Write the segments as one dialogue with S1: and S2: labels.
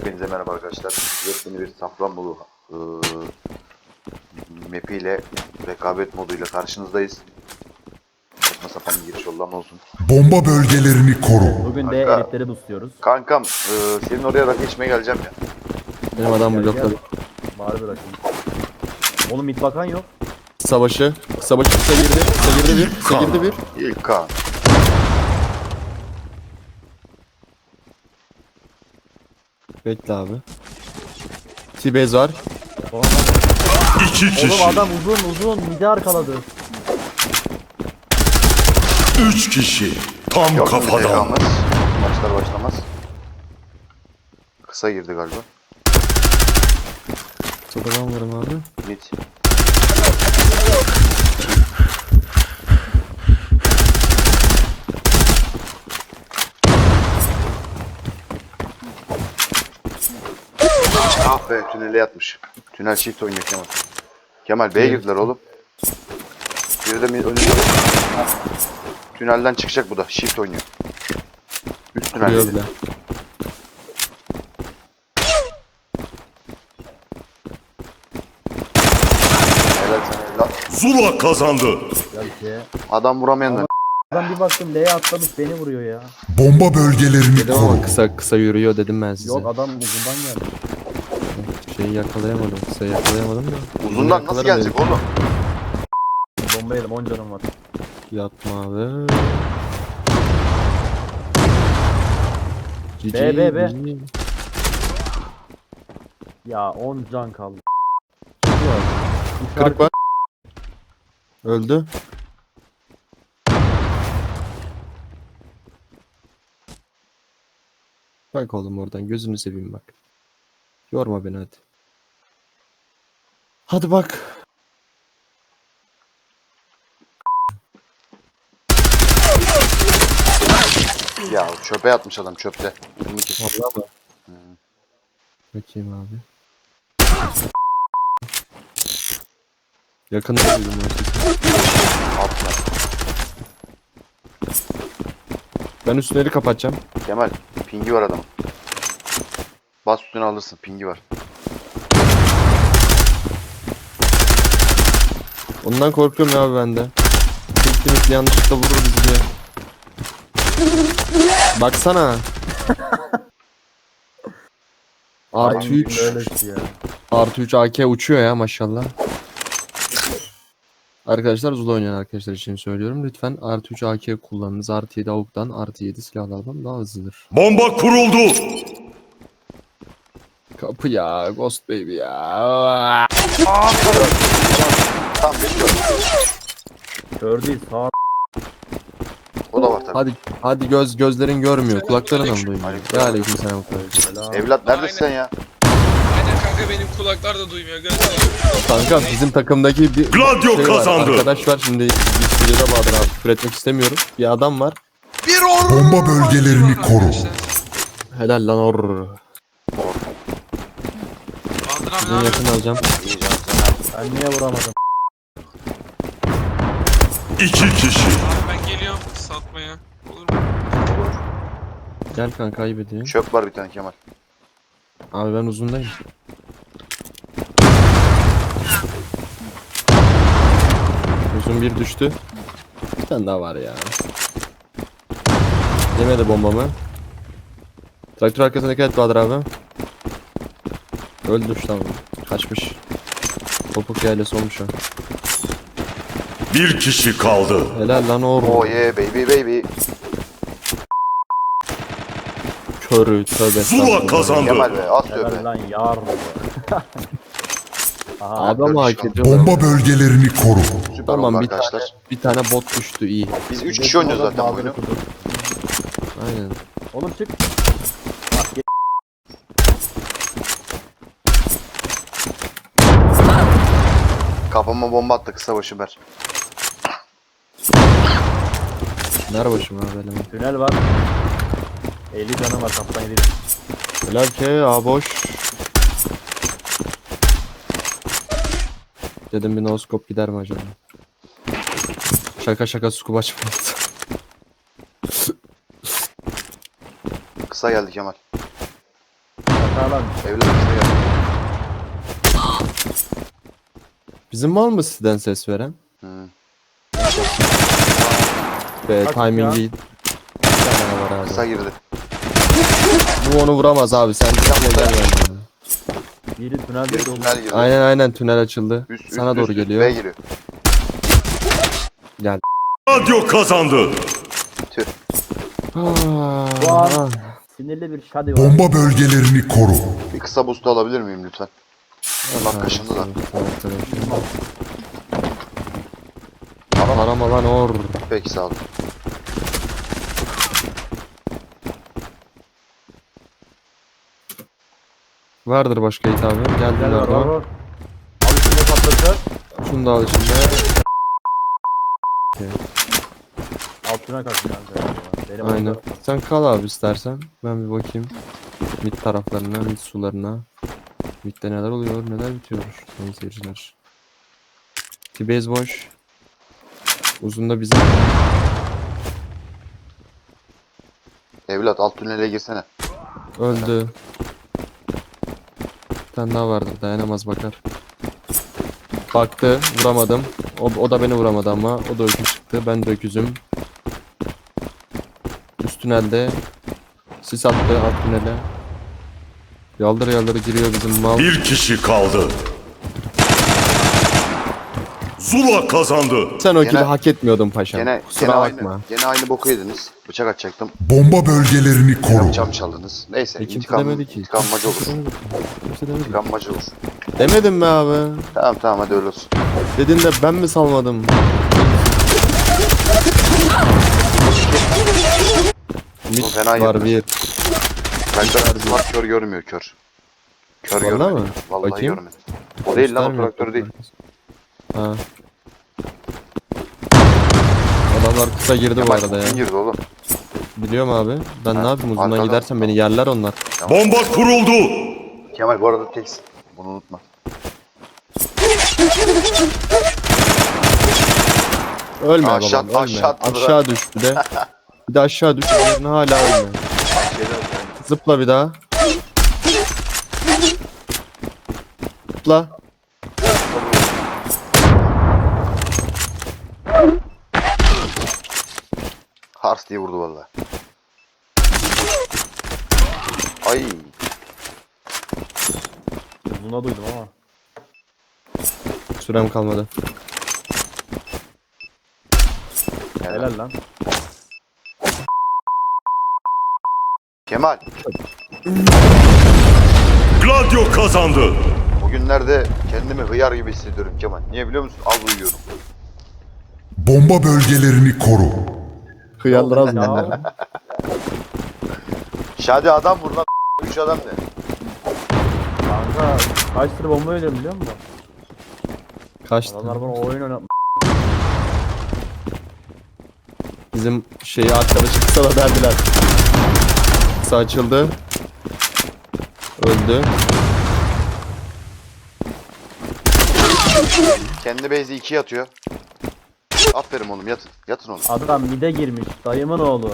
S1: Hepinize merhaba arkadaşlar. Yepyeni bir Safranbolu map'iyle rekabet moduyla karşınızdayız. Saçma sapan bir giriş oldu ama olsun.
S2: Bomba bölgelerini koru.
S3: Bugün de
S1: Kanka.
S3: elitleri boostluyoruz.
S1: Kankam senin oraya rakı içmeye geleceğim ya.
S4: Benim adam blokladı.
S3: Var bir rakım. Oğlum mid bakan yok.
S4: Savaşı. Savaşı kısa girdi. Kısa girdi bir. Kısa girdi bir.
S1: İlk kan.
S4: Bekle abi. T-base var.
S2: İki kişi.
S3: Oğlum adam uzun midi arkaladı.
S2: 3 kişi. Tam
S1: Yok mu
S2: kafadan.
S1: zekamız? Maçlar başlamaz. Kısa girdi galiba.
S4: Sokadan varım abi.
S1: Mid. Ah be, tünele yatmış. Tünel shift oynuyor Kemal. Kemal B'ye girdiler oğlum. Biri de önünde. Tünelden çıkacak bu da. Shift oynuyor. Üst tünel.
S4: Kuruyor bile.
S1: Helal sana evlat.
S2: Zula kazandı.
S3: Gel ki.
S1: Adam vuramayan da.
S3: Adam bir baktım L'ye atlamış beni vuruyor ya.
S2: Bomba bölgelerini
S4: Dedim ama
S2: koru.
S4: kısa yürüyor dedim ben size.
S3: Yok adam uzundan geldi.
S4: Şeyi yakalayamadım. Kısayı yakalayamadım da.
S1: Uzundan nasıl
S4: Yakalarım
S1: gelecek
S4: dedim.
S1: oğlum?
S3: Bomba yedim 10 canım var.
S4: Yapma abi.
S3: B.
S4: GG.
S3: Ya 10 can kaldı.
S4: Kırık var. Öldü. Bak oğlum oradan gözünü seveyim bak. Yorma beni hadi. Hadi bak.
S1: Ya çöpe yatmış adam çöpte.
S4: Vallahi mı? Bakayım abi. Yakında duydum ben sesi.
S1: Altına.
S4: Ben üstleri kapatacağım.
S1: Kemal pingi var adamın. Bas üstüne alırsın, pingi var.
S4: Ondan korkuyorum ya abi ben de. Kesinlikle yanlışlıkla vurur bizi diye. Baksana. Artı 3.
S3: Öylesi ya.
S4: Artı 3 AK uçuyor ya maşallah. Arkadaşlar Zula oynayan arkadaşlar için söylüyorum. Lütfen artı 3 AK kullanınız. Artı 7 AUK'tan artı 7 silahlardan daha hızlıdır.
S2: Bomba kuruldu.
S4: Kapı ya. Ghost baby ya.
S1: Tamam bekliyorum.
S3: Kör değil sağ.
S1: O da var tabii.
S4: Hadi gözlerin görmüyor. Kulakların mı duymuyor?
S1: Aleyküm.
S4: Ya aleykümselam.
S3: Selam.
S1: Evlat neredesin sen ya?
S5: Aynen kanka benim kulaklar da duymuyor.
S4: Kanka bizim takımdaki bir
S2: Gladio
S4: var.
S2: kazandı.
S4: Arkadaş var şimdi bir stüdyoda Bahadır abi küfür etmek istemiyorum. Bir adam var.
S5: Bir or.
S2: Bomba bölgelerini koru.
S4: Helal lan or.
S5: Bahadır abi
S4: Sizin
S5: ne
S4: yakın alacağım.
S1: İyi canım sana.
S3: Ben niye vuramadım?
S2: 2 kişi.
S5: Abi ben geliyorum satmaya. Olur mu?
S4: Gel kanka kaybedeyim.
S1: Çöp var bir tane Kemal.
S4: Abi ben uzundayım. Uzun bir düştü. Bir tane daha var ya. Yemedi bombamı. Traktör arkasına dikkat et Bahadır abi. Öldü şu tamam. Kaçmış. Topuk yaylası olmuş o.
S2: Bir kişi kaldı.
S4: Helal lan or.
S1: Oh yeah baby baby.
S4: Körü tövbe.
S2: Zula
S4: estağfurullah.
S2: kazandı.
S1: Kemal be az
S3: Helal
S1: tövbe.
S3: lan yar. Aha.
S4: Adam hak
S1: Dört
S4: ediyorlar.
S2: Bomba bölgelerini koru.
S1: Süper
S4: Tamam
S1: oldu
S4: bir tane,
S1: arkadaşlar.
S4: bir tane bot düştü iyi.
S1: Biz 3 kişi oynuyoruz zaten bu oyunu.
S4: Aynen.
S3: Oğlum çık.
S1: Kafama bomba attı kısa başı ber.
S4: Ver başıma abi elime.
S3: Tünel var. 50 canım var kaptan 50.
S4: Helal ki a boş. Dedim bir no scope gider mi acaba? Şaka şaka scope açmadı.
S1: Kısa geldi Kemal.
S3: Sağlam.
S1: Evlat işte ya.
S4: Bizim mal mı sizden ses veren?
S1: Hı.
S4: Ve
S3: Kaç
S4: timingi...
S3: ya?
S4: Bir tane var abi.
S1: Kısa girdi.
S4: Bu onu vuramaz abi sen gel gel gel.
S3: Biri tünelde
S1: Biri
S3: de oldu.
S1: tünel girdi.
S4: Aynen tünel açıldı. Sana doğru
S1: B
S4: geliyor.
S1: giriyor.
S4: Gel.
S2: Radyo kazandı.
S1: Tüh.
S3: Bu an sinirli bir şadi var.
S2: Bomba bölgelerini koru.
S1: Bir kısa boost alabilir miyim lütfen? Bak kaşındı da.
S4: Arama lan or.
S1: Peki sağ ol.
S4: Vardır başka hit abi. Geldim
S3: Gel var
S4: orada.
S3: var. Al üstüne patlatır.
S4: Şunu da al içinde.
S3: Altına kalksın kanka. Benim
S4: Aynen.
S3: orada-
S4: Sen kal abi istersen. Ben bir bakayım. Mid taraflarına, mid sularına. Mid'de neler oluyor, neler bitiyor. Sayın seyirciler. T-base boş. Uzunda bizim.
S1: Evlat alt tünele girsene.
S4: Öldü. Bir tane daha vardır, dayanamaz bakar. Baktı, vuramadım. O da beni vuramadı ama. O da öküz çıktı. Ben de öküzüm. Üst tünelde. Sis attı alt tünele. Yaldır yaldır giriyor bizim mal.
S2: Bir kişi kaldı. Zula kazandı.
S4: Sen o kili
S1: Gene-
S4: hak etmiyordun paşam.
S1: Gene
S4: Kusura bakma.
S1: aynı. Gene aynı boku yediniz. Bıçak atacaktım.
S2: Bomba bölgelerini koru.
S1: Cam çaldınız. Neyse
S4: Kimse
S1: intikam,
S4: demedi ki.
S1: intikam macı olur.
S4: Kimse demedi.
S1: İntikam macı olur.
S4: Demedim mi abi?
S1: Tamam tamam hadi öyle olsun.
S4: Dedin de ben mi salmadım? Mid
S1: Bu fena
S4: var
S1: girdi.
S4: bir.
S1: Traktör var kör görmüyor kör. Kör
S4: Vallahi
S1: görmüyor.
S4: mi?
S1: Vallahi
S4: Bakayım.
S1: görmedi. O değil lan o
S4: Göstermiyor.
S1: traktör değil.
S4: Ha. Adamlar kısa girdi bu
S1: Kemal
S4: arada ya.
S1: kim girdi oğlum?
S4: Biliyorum abi. Ben
S1: Ha,
S4: ne yapayım uzundan
S1: arkadan.
S4: gidersem beni yerler onlar.
S2: Bomba kuruldu.
S1: Kemal bu arada teksin. Bunu unutma.
S4: Ölme
S1: Aşağı-
S4: babam ölme.
S1: aşağı
S4: Aşağı,
S1: atladı.
S4: düş bir de. Bir de aşağı düş. Üzerine hala ölme. Zıpla bir daha. Zıpla.
S1: Hars diye vurdu vallahi. Ay.
S3: Uzuna duydum ama.
S4: Sürem kalmadı.
S3: Helal lan.
S1: Kemal.
S2: Gladio kazandı.
S1: Bugünlerde kendimi hıyar gibi hissediyorum Kemal. Niye biliyor musun? Az uyuyorum.
S2: Bomba bölgelerini koru.
S4: Hıyarlar az mı?
S3: Ya.
S1: Şadi adam vur lan. 3 adam ne?
S3: Kanka kaç tır bomba ölüyorum biliyor musun?
S4: Kaçtı.
S3: Adamlar bana oyun oynatmış.
S4: Bizim şeyi arkadaşı kısa da verdiler. Kısa açıldı. Öldü.
S1: Kendi base'i 2'ye atıyor. Aferin oğlum yatın. Yatın oğlum.
S3: Adam mide girmiş. Dayımın oğlu.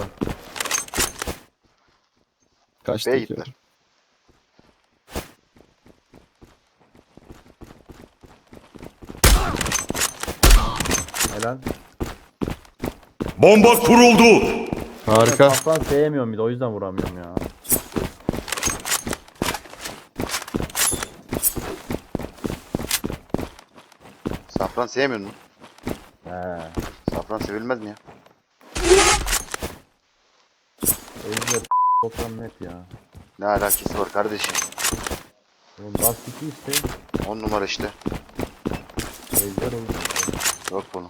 S4: Kaçtı
S1: B'ye
S4: ki.
S1: gittiler.
S3: Helal.
S2: Bomba kuruldu.
S4: Harika.
S3: Aslan sevmiyorum bir de o yüzden vuramıyorum ya.
S1: Safran sevmiyor musun?
S3: He.
S1: Safran sevilmez mi ya?
S3: Evde toplam net ya.
S1: Ne alakası var kardeşim?
S3: Oğlum Dust 2 işte.
S1: 10 numara işte.
S3: Ejder oldu.
S1: Yok bunu.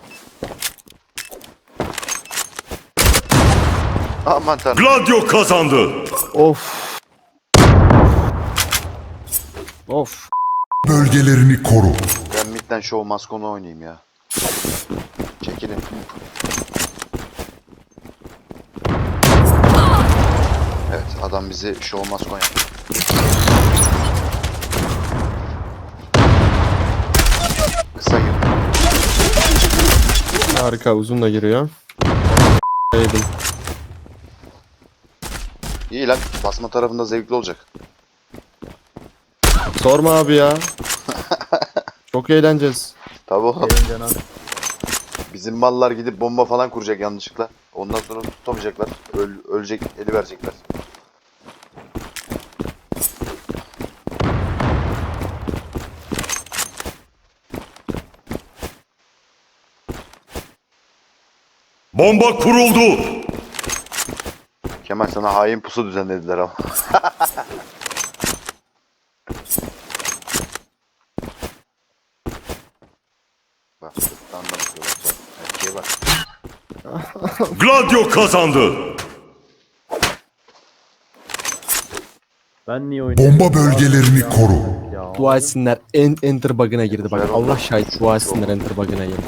S1: Aman tanrım.
S2: Gladio kazandı.
S4: Of. Of.
S2: Bölgelerini koru.
S1: Ben midden show maskonu oynayayım ya. Çekilin. Evet adam bizi show maskon yaptı. Kısa girdi.
S4: Harika uzun da giriyor. Yedim.
S1: İyi lan basma tarafında zevkli olacak.
S4: Sorma abi ya. Çok eğleneceğiz.
S1: Tabii oğlum.
S3: Benim canım.
S1: Bizim mallar gidip bomba falan kuracak yanlışlıkla. Ondan sonra tutamayacaklar. Ölecek, eli verecekler.
S2: Bomba kuruldu.
S1: Kemal sana hain pusu düzenlediler ama. Bak, sırttan da bakıyorlar. Bak, erkeğe bak.
S2: Gladio kazandı.
S3: Ben niye oynuyorum?
S2: Bomba bölgelerini koru.
S3: Ya.
S4: Dua etsinler enter bug'ına girdi bak. Allah şahit dua etsinler enter bug'ına girdi.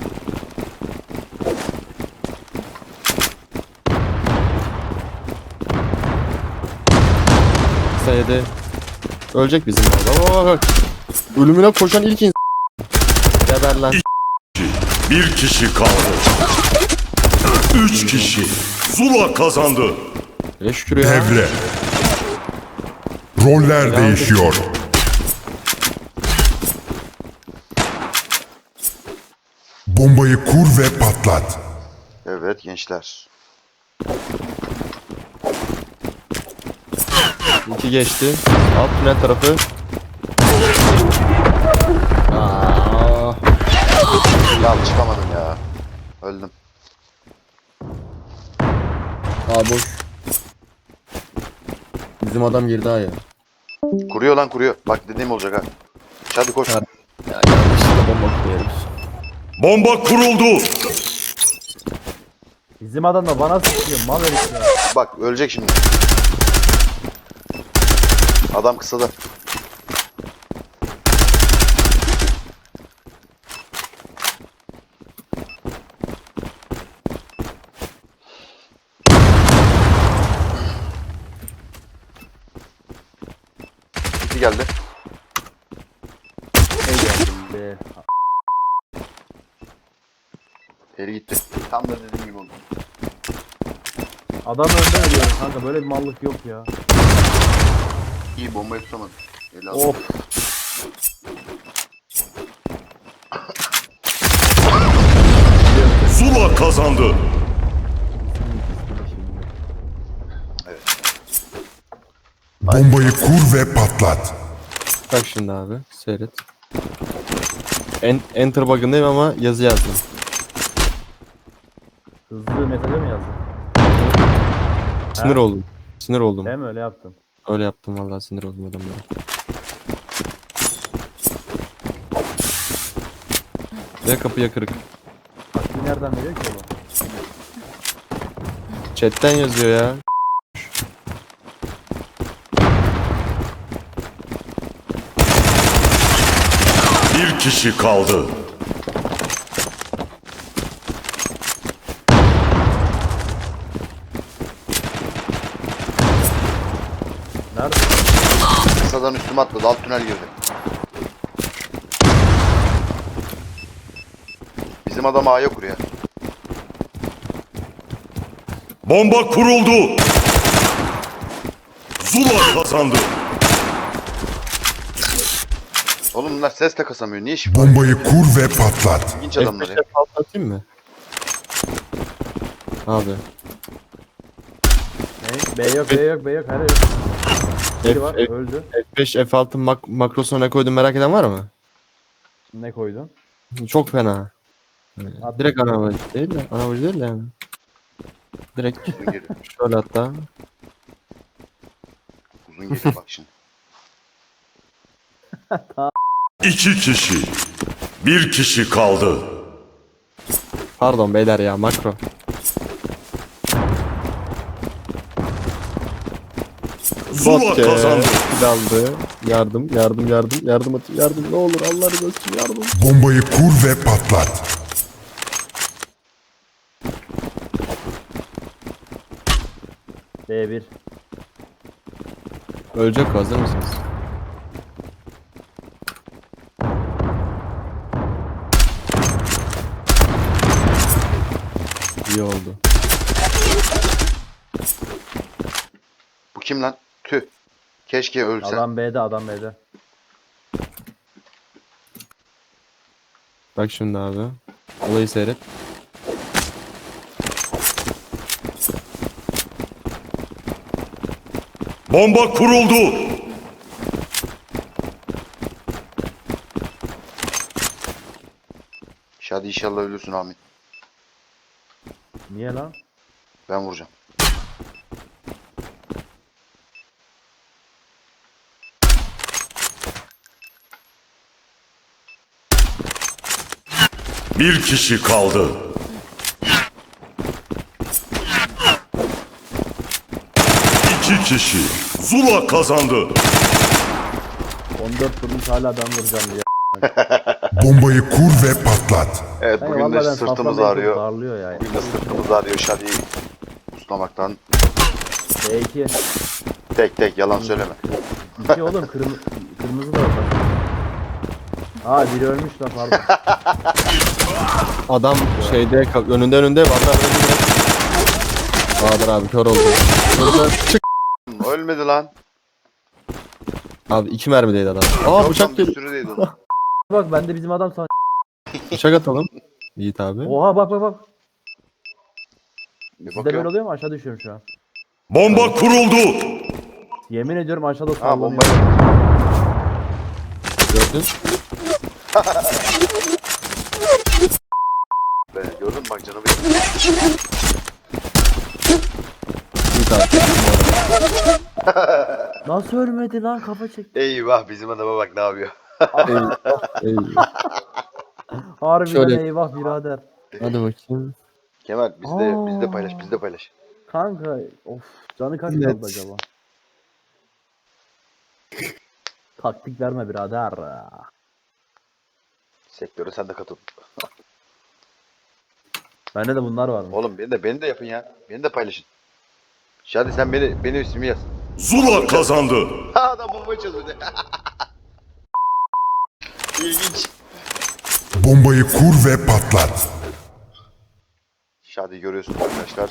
S4: Sayede ölecek bizim orada. Bak. Ölümüne koşan ilk insan. Geber lan.
S2: Bir kişi kaldı. 3 kişi. Zula kazandı.
S4: Hele şükür ya.
S2: Devre. Roller değişiyor. Bombayı kur ve patlat.
S1: Evet gençler.
S4: İki geçti. Alt tünel tarafı. Aa,
S1: Ya çıkamadım ya. Öldüm.
S4: boş. Bizim adam girdi ha ya.
S1: Kuruyor lan kuruyor. Bak dediğim olacak ha. Hadi koş.
S4: Ha. Ya yanlışlıkla bomba koyuyoruz.
S2: Bomba kuruldu.
S3: Bizim adam da bana sıkıyor. Mal herif ya.
S1: Bak ölecek şimdi. Adam kısada. İki geldi.
S3: Be.
S1: Peri gitti. Tam da dediğim gibi oldu.
S3: Adam önde ölüyor kanka. Böyle bir mallık yok ya.
S1: İyi bombayı tutamadım. Eli aldı.
S3: Of.
S2: Zula kazandı. Bombayı kur ve patlat.
S4: Bak şimdi abi seyret. Enter bug'ındayım ama yazı yazdım.
S3: Hızlı mesaja mı yazdın?
S4: Sinir
S3: Ha?
S4: oldum. Sinir oldum.
S3: Değil mi öyle yaptın?
S4: Öyle yaptım vallahi sinir oldum adamlara. Ya kapıya kırık.
S3: Taktiği nereden veriyor ki oğlum?
S4: Chatten yazıyor ya.
S2: Bir kişi kaldı.
S3: Nerede?
S1: Kısadan üstüme atladı. Alt tünel girdi. Bizim adam A'ya kuruyor.
S2: Bomba kuruldu. Zula kazandı.
S1: Oğlum bunlar ses de kasamıyor. Niye şifre?
S2: Bombayı kur ve patlat.
S1: İlginç adamlar ya.
S4: F5'e patlatayım mı? Abi.
S3: Ne? B yok, B yok, B yok. Her yok. Biri var, öldü.
S4: F5 F6 makrosuna ne koydum merak eden var mı?
S3: Ne koydun?
S4: Çok fena.
S3: At
S4: Direkt
S3: bakayım.
S4: anavacı değil de. Anavacı değil de yani. Direkt
S1: Uzun geliyor.
S4: şöyle hatta.
S1: Uzun geliyor bak şimdi.
S2: 2 kişi. Bir kişi kaldı.
S4: Pardon beyler ya makro.
S2: Zula kazandı.
S4: Daldı. Yardım atın yardım ne olur Allah razı olsun yardım.
S2: Bombayı kur ve patlat.
S3: B1.
S4: Ölecek o, hazır mısınız? İyi oldu.
S1: Bu kim lan? Tüh. Keşke ölse.
S3: Adam B'de, adam B'de.
S4: Bak şimdi abi. Olayı seyret.
S2: Bomba kuruldu.
S1: Hadi inşallah ölürsün amin.
S3: Niye lan?
S1: Ben vuracağım.
S2: Bir kişi kaldı. İki kişi. Zula kazandı.
S3: 14 vurmuş hala ben vuracağım diye.
S2: Bombayı kur ve patlat.
S1: Evet
S3: Hey,
S1: bugün
S3: vallahi
S1: de
S3: ben
S1: sırtımız
S3: safran beni çok
S1: ağrıyor.
S3: darlıyor ya.
S1: Bugün de sırtımız ağrıyor Şadi'yi uslamaktan.
S3: B2.
S1: Tek yalan söyleme.
S3: 2 oğlum kırmızı da orada. Aa biri ölmüş lan pardon.
S4: Adam şeyde önünde Bahadır abi önünde. Bahadır abi kör oldu. Burada çık.
S1: Ölmedi lan.
S4: Abi 2 mermideydi adam. Aa
S1: Yok lan,
S4: bıçak
S1: bir
S4: geliyor.
S1: sürüdeydi o.
S3: Bak ben de bizim adam san.
S4: Bıçak atalım. Yiğit abi.
S3: Oha bak.
S1: Bir
S3: Sizde böyle
S1: bakıyorum.
S3: oluyor mu? Aşağı düşüyorum şu an.
S2: Bomba kuruldu.
S3: Yemin ediyorum aşağıda
S1: Ha
S3: sallanıyor.
S1: bombayı.
S4: Gördün.
S1: Gördün mü bak canım benim.
S4: Yiğit abi.
S3: Nasıl ölmedi lan kafa çekti.
S1: Eyvah bizim adama bak ne yapıyor.
S4: Eyvah.
S3: Harbiden
S4: Şöyle-
S3: eyvah birader.
S4: Hadi bakayım.
S1: Kemal bizde
S3: Aa.
S1: paylaş bizde paylaş.
S3: Kanka of canı kaç
S4: Evet.
S3: kaldı acaba? Taktik verme birader.
S1: Sektöre sen de katıl.
S3: Bende de bunlar var mı?
S1: Oğlum beni de yapın ya. Beni de paylaşın. Şadi sen benim ismimi yaz.
S2: Zula kazandı.
S1: Ha adam bombayı çözüldü. İlginç.
S2: Bombayı kur ve patlat.
S1: Şadi görüyorsunuz arkadaşlar.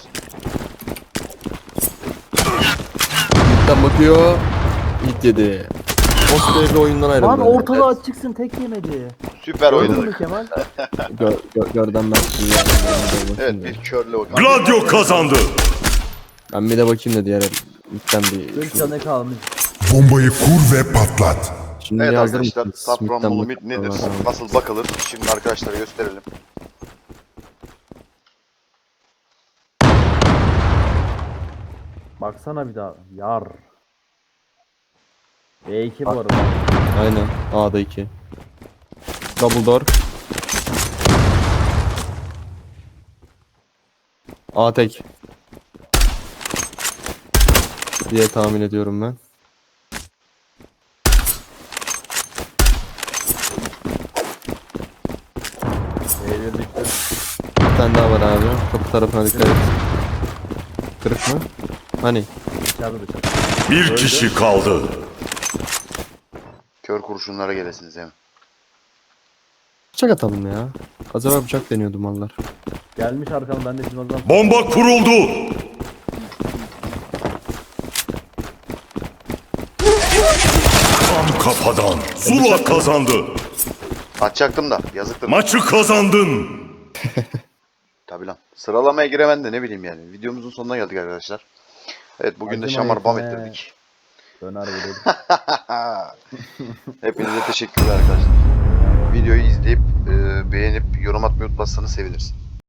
S4: Yiğit'ten bakıyor. Yiğit yedi. Oscar'lı oyundan ayrıldı.
S3: Lan ortalığı açıksın tek yemedi.
S1: Süper
S3: Gördün mü
S1: oynadık.
S3: Kemal?
S4: Gördüm ben.
S1: Evet bir körle o.
S2: Gladio kazandı.
S4: Ben bir de bakayım da diğer Yiğit'ten bir.
S3: 40 canı kalmış.
S2: Bombayı kur ve patlat.
S4: Şimdi
S1: Evet
S4: hazır
S1: arkadaşlar
S4: mısınız?
S1: Safranbolu
S4: Yiğit'ten
S1: mit
S4: bakıyorum.
S1: nedir? Nasıl bakılır? Şimdi arkadaşlara gösterelim.
S3: Baksana bir daha. Yar. B2 bu arada.
S4: Aynen. A'da 2. Double door. A tek. Diye tahmin ediyorum ben.
S3: B1 düştü.
S4: Bir tane daha var abi. Kapı tarafına dikkat et. Kırık mı? Hani?
S3: Dışarıda.
S2: Bir kişi kaldı.
S1: Kör kurşunlara gelesiniz hemen.
S4: Bıçak atalım ya. Az evvel bıçak deniyordu mallar.
S3: Gelmiş arkamdan ben de bizim adam.
S2: Bomba kuruldu. Tam kafadan. Zula kazandı.
S1: Atacaktım da yazıktır.
S2: Maçı kazandın.
S1: Tabi lan. Sıralamaya giremen de ne bileyim yani. Videomuzun sonuna geldik arkadaşlar. Evet bugün de
S3: Acıma
S1: şamar bam
S3: etme.
S1: ettirdik.
S3: Döner verelim.
S1: Hepinize teşekkürler arkadaşlar. Videoyu izleyip beğenip yorum atmayı unutmazsanız seviniriz.